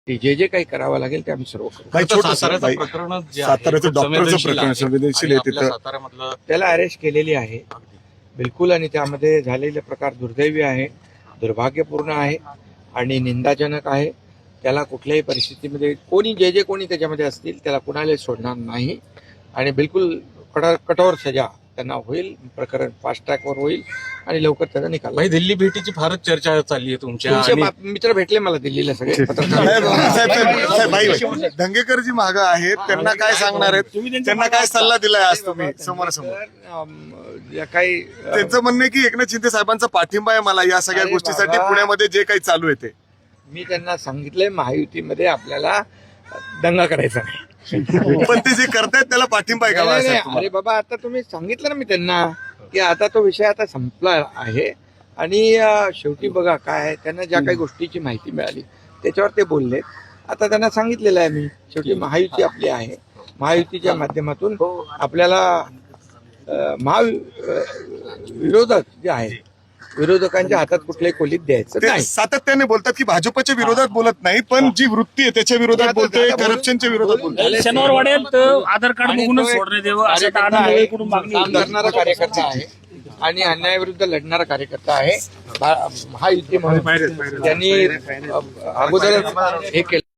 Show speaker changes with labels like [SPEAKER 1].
[SPEAKER 1] की जे काही करावं लागेल ते आम्ही सर्व करू.
[SPEAKER 2] काही छोटं
[SPEAKER 3] साताऱ्याचं प्रकरण जे आहे,
[SPEAKER 2] साताऱ्याचं
[SPEAKER 3] खूप
[SPEAKER 2] डॉक्टरचं
[SPEAKER 3] संवेदनशील
[SPEAKER 2] प्रकरण
[SPEAKER 3] आहे.
[SPEAKER 2] संवेदनशील
[SPEAKER 3] आणि
[SPEAKER 2] आहे
[SPEAKER 3] आपल्या
[SPEAKER 2] तिथं.
[SPEAKER 3] साताऱ्यामधलं
[SPEAKER 1] त्याला अरेस्ट केलेली आहे बिलकुल, आणि त्यामध्ये झालेले प्रकार दुर्दैवी आहे, दुर्भाग्यपूर्ण आहे आणि निंदाजनक आहे. त्याला कुठल्याही परिस्थितीमध्ये कोणी जे कोणी त्याच्यामध्ये असतील त्याला कुणाला सोडणार नाही आणि बिलकुल कठोर सजा त्यांना होईल. प्रकरण फास्ट ट्रॅकवर होईल आणि लवकर त्याचा निकाल
[SPEAKER 3] भाई दिल्ली भेटीची फारच चर्चा चालली आहे तुमच्या
[SPEAKER 1] तुमचे
[SPEAKER 3] आणि
[SPEAKER 1] मित्र भेटले मला दिल्लीला सगळे
[SPEAKER 2] साहेब, साहेब, भाई, दंगेकर जी मागं आहेत त्यांना काय सांगणार आहेत, त्यांना काय सल्ला दिलाय आज तुम्ही समोरासमोर?
[SPEAKER 1] या काही
[SPEAKER 2] त्यांचं म्हणणं आहे की एकनाथ शिंदे साहेबांचा पाठिंबा आहे मला या सगळ्या
[SPEAKER 1] अरे
[SPEAKER 2] गोष्टीसाठी
[SPEAKER 1] बाबा.
[SPEAKER 2] पुण्यामध्ये जे काही चालू आहे ते.
[SPEAKER 1] मी त्यांना सांगितलंय महायुतीमध्ये आपल्याला दंगा करायचा नाही.
[SPEAKER 2] पण ते जे करतायत त्याला पाठिंबा आहे का
[SPEAKER 1] नाही,
[SPEAKER 2] बाळासाहेब
[SPEAKER 1] नाही,
[SPEAKER 2] तुम्हाला?
[SPEAKER 1] अरे बाबा, आता तुम्ही सांगितलं ना मी त्यांना की आता तो विषय आता संपला आहे आणि शेवटी बघा काय आहे, त्यांना ज्या काही गोष्टीची माहिती मिळाली त्याच्यावर ते बोलले. आता त्यांना सांगितलेलं आहे मी, शेवटी महायुती आपली आहे, महायुतीच्या माध्यमातून आपल्याला विरोधक जे आहे विरोधकांच्या हातात कुठल्याही खोलीत द्यायचं
[SPEAKER 2] ते
[SPEAKER 1] नाही.
[SPEAKER 2] सातत्याने बोलतात की भाजपच्या विरोधात बोलत नाही, पण जी वृत्ती आहे त्याच्या विरोधात बोलतोय, करप्शनच्या विरोधात बोलतोय.
[SPEAKER 4] शनिवार वाढेल तर आधार कार्ड
[SPEAKER 1] आणि
[SPEAKER 4] बघूनच
[SPEAKER 1] तो एक
[SPEAKER 4] सोडण्यात यावं असं
[SPEAKER 1] कार्यकर्ता
[SPEAKER 4] आता
[SPEAKER 1] आहे,
[SPEAKER 4] वेळेकडून मागणी
[SPEAKER 1] काम
[SPEAKER 4] होती.
[SPEAKER 1] करणारा कार्यकर्ता आहे आणि अन्यायाविरुद्ध लढणारा कार्यकर्ता आहे. महायुती म्हणून त्यांनी अगोदरच हे केलं.